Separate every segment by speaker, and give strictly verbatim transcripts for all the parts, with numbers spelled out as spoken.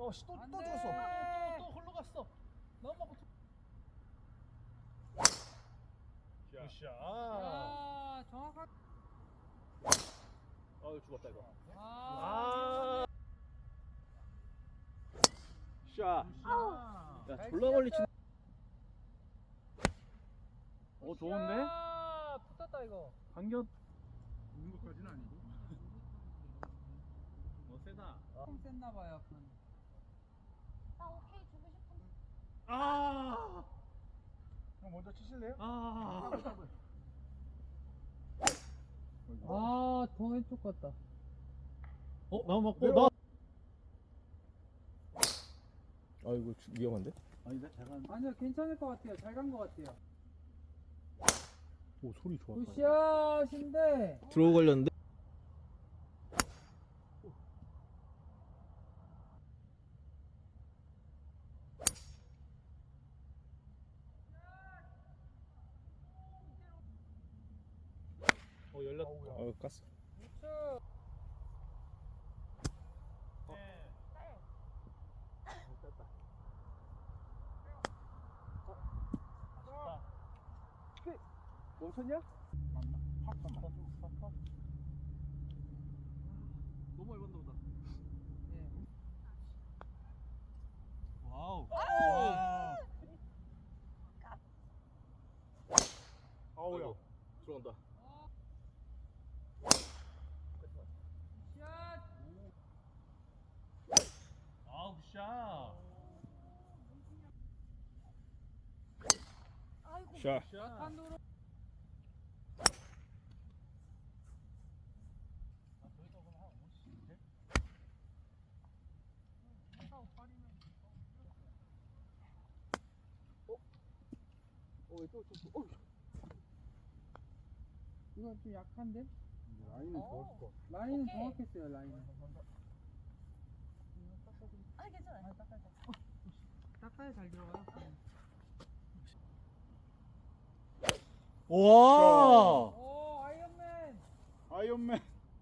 Speaker 1: 어, 씨, 또, 또
Speaker 2: 안
Speaker 1: 죽었어.
Speaker 2: 돼.
Speaker 1: 또, 또, 또 흘러갔어. 넘어가고. 굿샷.
Speaker 2: 아, 정확하게.
Speaker 1: 어, 죽었다 이거.
Speaker 2: 아,
Speaker 1: 아. 샷. 야,
Speaker 2: 잘
Speaker 1: 졸라 멀리 치.
Speaker 2: 치셨다.
Speaker 1: 어, 좋은데?
Speaker 2: 아, 붙었다 이거.
Speaker 1: 간격.
Speaker 3: 있는 것까지는 아니고.
Speaker 1: 어, 세다.
Speaker 2: 조금 셌나 봐요. 그건.
Speaker 4: 나 오케이 주고 싶은데.
Speaker 1: 아.
Speaker 3: 형 먼저 치실래요?
Speaker 1: 아.
Speaker 2: 아, 더 왼쪽 같다.
Speaker 1: 어, 나 맞고 나. 아, 이거 위험한데?
Speaker 3: 아니다, 제가
Speaker 2: 아니요, 괜찮을 것 같아요. 잘 간 것 같아요.
Speaker 1: 오, 소리 좋아.
Speaker 2: 굿샷인데.
Speaker 1: 들어오 걸렸는데? 어, 열렸다. 어, 깠어.
Speaker 2: 우측.
Speaker 1: 멈췄냐?
Speaker 3: 맞나? 팍 팍. 팍
Speaker 1: 너무 얇았나 보다.
Speaker 2: 예.
Speaker 1: 와우.
Speaker 3: 와.
Speaker 1: 아우야. 들어온다.
Speaker 2: 샷.
Speaker 1: 아우, 샷.
Speaker 4: 아이고.
Speaker 1: 샷.
Speaker 2: 한도로.
Speaker 1: 어, 또, 또, 또. 어.
Speaker 2: 이건 좀 약한데?
Speaker 3: 라인은
Speaker 4: 어.
Speaker 3: 좋았을 것 같아.
Speaker 2: 라인은
Speaker 4: 오케이.
Speaker 2: 정확했어요. 라인은.
Speaker 4: 아 괜찮아요.
Speaker 2: 닦아야 잘 들어가요.
Speaker 1: 와.
Speaker 2: 오, 아이언맨.
Speaker 3: 아이언맨.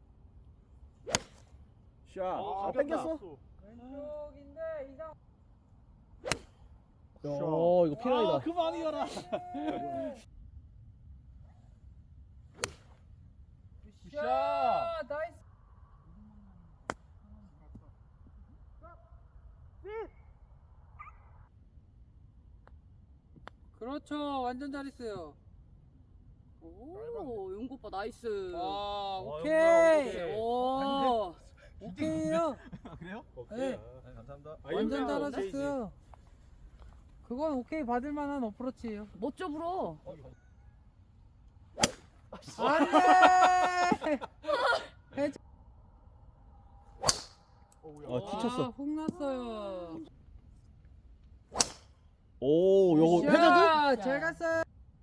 Speaker 1: 샷.
Speaker 3: 아,
Speaker 1: 아, 땡겼어?
Speaker 2: 왼쪽인데 이상.
Speaker 1: 어, 이거 피라이다.
Speaker 3: 아, 그만이어라.
Speaker 2: 굿샷. 나이스. 그렇죠. 완전 잘했어요.
Speaker 4: 오 용구 오빠 나이스.
Speaker 2: 와,
Speaker 1: 용구야,
Speaker 2: 오케이.
Speaker 1: 오케이.
Speaker 2: 오, 오케이요.
Speaker 3: 아, 그래요?
Speaker 2: 네.
Speaker 1: 아, 감사합니다.
Speaker 2: 완전 잘하셨어요. 그건 오케이 받을 만한 어프로치예요.
Speaker 4: 멋져 불어.
Speaker 2: 안돼.
Speaker 1: 아, 티쳤어.
Speaker 2: 훅 났어요.
Speaker 1: 오, 요거
Speaker 2: 굿샷.
Speaker 1: 회자도?
Speaker 2: 잘 갔어요.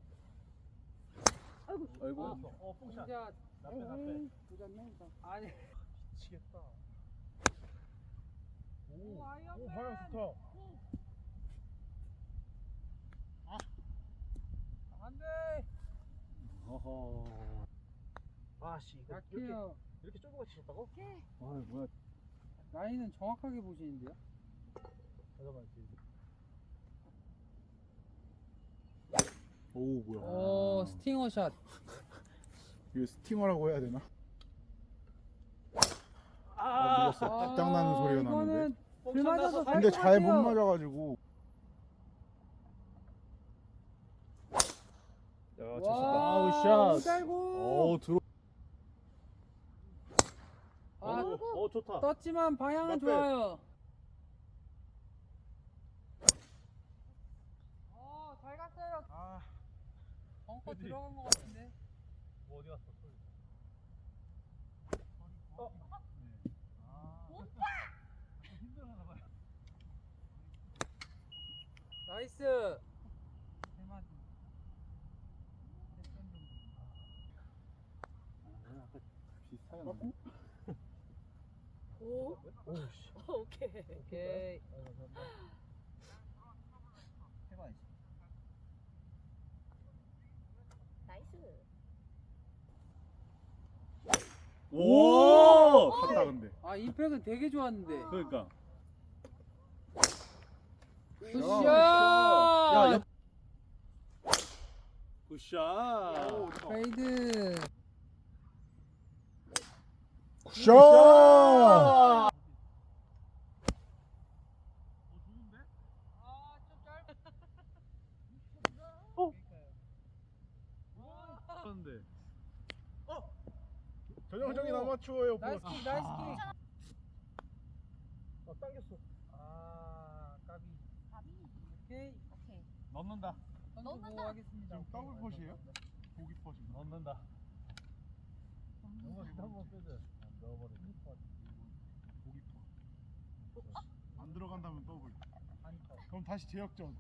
Speaker 1: 아이고.
Speaker 3: 어,
Speaker 2: 굿샷.
Speaker 3: 나빼 나빼.
Speaker 2: 아니.
Speaker 3: 미치겠다.
Speaker 2: 오,
Speaker 3: 오,
Speaker 2: 아이언맨.
Speaker 3: 방향 좋다.
Speaker 2: 안돼.
Speaker 3: 어허.
Speaker 1: 아, 씨. 이거 이렇게
Speaker 2: 약해요.
Speaker 1: 이렇게 쫄고 같이 쳤다고?
Speaker 3: 아, 뭐야?
Speaker 2: 라인은 정확하게 보시는데요.
Speaker 3: 잠깐만.
Speaker 1: 오, 뭐야.
Speaker 2: 오, 스팅어 샷.
Speaker 3: 이거 스팅어라고 해야 되나?
Speaker 1: 아,
Speaker 3: 밀렸어. 딱 나는 소리가 나는데.
Speaker 2: 불 맞아서 갈
Speaker 3: 근데
Speaker 2: 것
Speaker 3: 잘 못
Speaker 2: 같아요.
Speaker 3: 맞아가지고.
Speaker 1: 야,
Speaker 2: 와,
Speaker 1: 아우, 샷.
Speaker 2: 오잘고.
Speaker 1: 오, 들어.
Speaker 2: 아,
Speaker 1: 오, 오, 좋다.
Speaker 2: 떴지만 방향은
Speaker 3: 맞대.
Speaker 2: 좋아요. 어, 잘 갔어요.
Speaker 3: 아,
Speaker 2: 벙커
Speaker 3: 그치.
Speaker 2: 들어간 것 같은데.
Speaker 1: 뭐 어디 갔어?
Speaker 2: 나이스. 세 마디.
Speaker 3: 비슷하게 나네.
Speaker 4: 오. 오케이.
Speaker 2: 오케이.
Speaker 3: 해봐야지.
Speaker 4: 나이스.
Speaker 1: 오!
Speaker 3: 갔다 근데.
Speaker 2: 아, 임팩은 되게 좋았는데.
Speaker 3: 그러니까.
Speaker 2: 굿샷.
Speaker 1: 야, 옆. 굿샷.
Speaker 2: 페이드.
Speaker 3: 굿샷!
Speaker 1: 그런데
Speaker 3: 전형적인 아마추어예요.
Speaker 2: 나이스 킥, 나이스 킥.
Speaker 1: 아, 당겼어.
Speaker 2: 아, 까비. 오케이.
Speaker 4: 오케이.
Speaker 1: 넣는다.
Speaker 2: 선수
Speaker 4: 넣는다.
Speaker 2: 보호하겠습니다.
Speaker 3: 지금 더블 컷이에요? 보기 컷인가?
Speaker 1: 넣는다. 한번 한번 빼줘. 넣어버려.
Speaker 3: 보기 컷. 안 들어간다면 더블. 그럼 다시 제역전.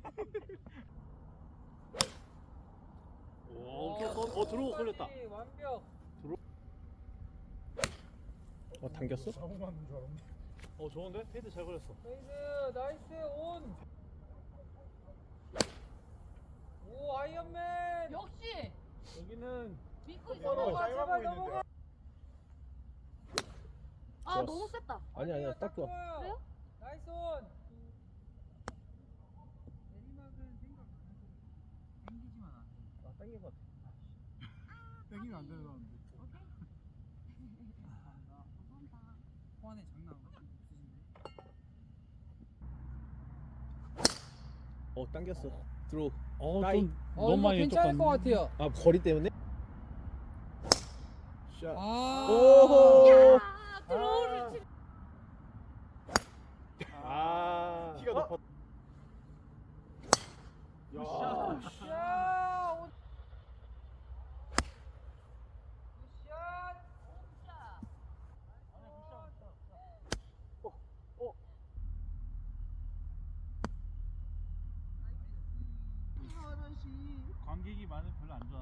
Speaker 1: 오, 오케이. 어, 어 들어오고 걸렸다.
Speaker 2: 완벽.
Speaker 1: 어, 당겼어?
Speaker 3: 사고 맞는 줄 알았네.
Speaker 1: 어, 좋은데? 페이드 잘 걸렸어.
Speaker 2: 페이드, 나이스 온. 오, 아이언맨.
Speaker 4: 역시
Speaker 1: 여기는
Speaker 4: 믿고
Speaker 3: 어,
Speaker 2: 넘어가,
Speaker 4: 있어.
Speaker 2: 제발 넘어가.
Speaker 4: 아
Speaker 1: 좋았어.
Speaker 4: 너무 셌다.
Speaker 1: 아니 아니야, 딱 좋아.
Speaker 2: 좋아요.
Speaker 4: 그래요?
Speaker 2: 나이스 온. 내리막은 생각 안 하고 당기지만 안 해.
Speaker 1: 아, 당긴 것 같아.
Speaker 3: 땡기면 안 되는데.
Speaker 2: 호환에 장난 없으신데.
Speaker 1: 어, 당겼어. 들어. 어,
Speaker 2: 나이.
Speaker 1: 좀
Speaker 2: 어,
Speaker 1: 너무
Speaker 2: 이거
Speaker 1: 많이
Speaker 2: 괜찮을 것 같아요.
Speaker 1: 아, 거리 때문에? 샷.
Speaker 2: 아.
Speaker 1: 오호.
Speaker 4: 아 드로우를 치.
Speaker 1: 아.
Speaker 3: 키가 높아.
Speaker 1: 야.
Speaker 2: 야, 오. 굿샷.
Speaker 1: 관객이 많으면 별로 안 좋아.